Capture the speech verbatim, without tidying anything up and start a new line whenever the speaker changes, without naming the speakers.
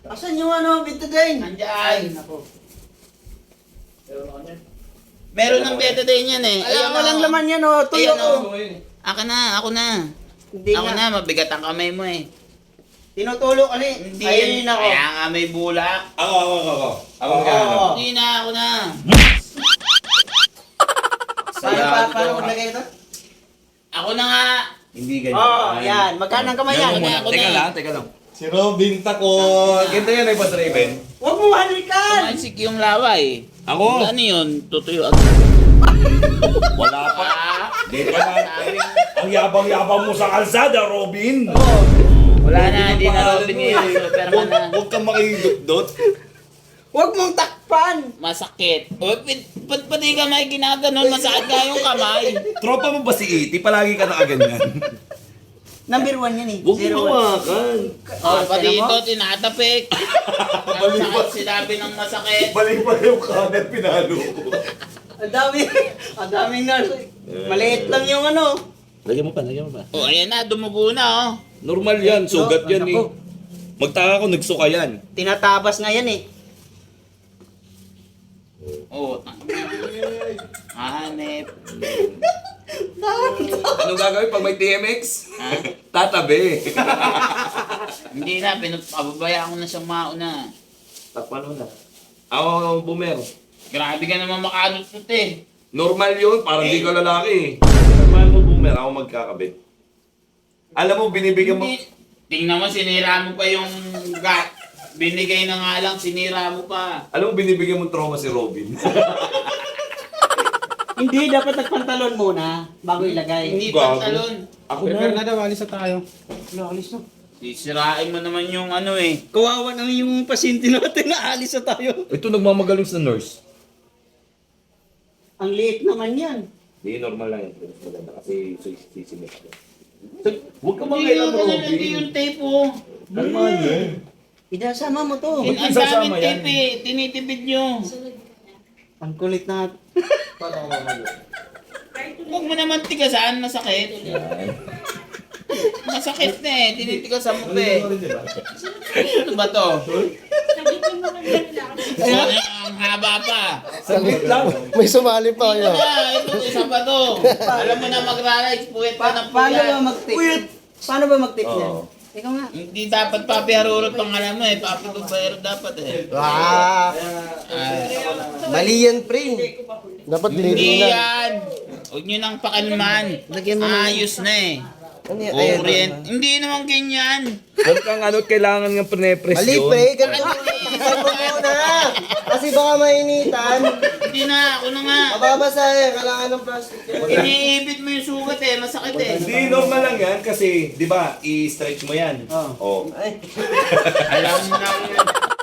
Asan yung ano, betadine?
Andyan.
Nako.
Meron ng betadine yan eh.
Alam,
Ayun,
walang
oh.
laman yan oh. Tuyo
Ayan,
ko.
oh. Ako na, ako na.
Hindi
Ako
nga.
na, mabigat ang kamay mo eh.
Tinutulo kasi.
Hindi
Ayun
yan.
ako.
Kaya nga may bulak.
Ako, ako, ako, ako. Ako
Oo.
magkano.
Hindi na, ako na.
Paano pa, paano maglagay ito?
Ako na nga.
Hindi ganyan.
Oo, oh, yan. Magkano ang kamay yan?
Ganun muna. Ako
Teka
na.
lang, teka lang. Si Robin Takot. Ganito yan ay pa-driven.
Huwag mo halikan!
Tumansik yung lawa eh.
Ako?
Ano yun? Tutuyo ako.
Wala pa.
Ah,
Di pa na. Ang yabang-yabang mo sa kalsada, Robin.
wala na, hindi na Robin ngayon. Superman na.
Huwag kang makidot-dot.
Huwag mong takpan!
Masakit. O, pit- ba't pati kamay ginaganon? Masakit nga yung kamay.
Tropa mo ba si Iti? Palagi ka nakaganyan.
Number one yan eh.
Huwag
Zero
mo
one.
hawakan.
O, pati
tignan mo.
ito, tinatapik. Ang sakit, sinabi ng masakit.
Balik pa yung kanan, pinalo ko.
Ang dami. Ang daming nurse. Maliit lang yung ano.
Lagyan mo pa, lagyan mo pa.
O, ayan na, dumugo na oh.
Normal yan, sugat yan eh.
Ako.
Magtaka ko, nagsuka yan.
Tinatabas nga yan eh.
O, hanep.
Anong gagawin pag may T M X?
Ha?
Tatabi.
Hindi na, pinapabayaan ko na siyang mauna.
Takpan mo na. Ako, boomer.
Grabe ka naman makalusot eh.
Normal yun, parang di ka lalaki eh. Normal mo boomer, ako magkakabit. Alam mo, binibigyan mo...
Hindi, tingnan mo, sinira mo pa yung gat. Binigay na nga lang, sinira mo pa.
Alam mo, binibigyan mo trauma si Robin.
Hindi, dapat nagpantalon muna bago ilagay.
Hindi
Gago.
pantalon.
Ako
Prepare
na.
na daw, alis na tayo.
Nakalis na.
Sisirain mo naman yung ano eh.
Kawawa naman yung pasyente natin na alis na tayo.
Ito, nagmamagaling sa nurse.
Ang liit naman yan.
Hindi, normal lang yan. Maganda kasi sisimip ko. Huwag ka
Hindi yung, ano, hindi yung tape oh.
Kalma niya.
Idasama mo to.
Ang
Ba't
daming
isasama yan?
tape eh. Tinitipid nyo.
Ang kulit na.
Huwag mo naman tigasan, masakit. Masakit na eh, tinitigasan mo pa eh. Ano ba to? Ano ang haba pa?
Saglit lang.
May sumali pa
Ito na, ito, isa pa to. Alam mo na magra-rides, puwet pa ng
Paano ba
puwet.
mag-tip? Paano ba mag-tip
Oo.
yan? Ikaw nga.
Hindi dapat Papi Harurot pang alam mo eh, Papi Tubayero dapat eh.
Ah,
Ah,
mali yan, pre. Dapat
hindi
dinidinan.
yan. Huwag nyo nang pakalman.
Lagyan mo na.
Ayos na eh.
Ano yan? Ayan.
Orient. Hindi naman ganyan.
Huwag kang ano, kailangan ng pre-press
Mali,
yun.
pre. Ganun. Takpan mo muna. Kasi baka mainitan.
Hindi na, ako na nga.
Mababasa yan. Kailangan ng plastic yan.
Iniibit mo yung sugat eh, masakit eh.
Hindi, normal lang yan kasi, di ba, i-stretch mo yan.
Oo.
Oh.
Ay.
Alam mo nang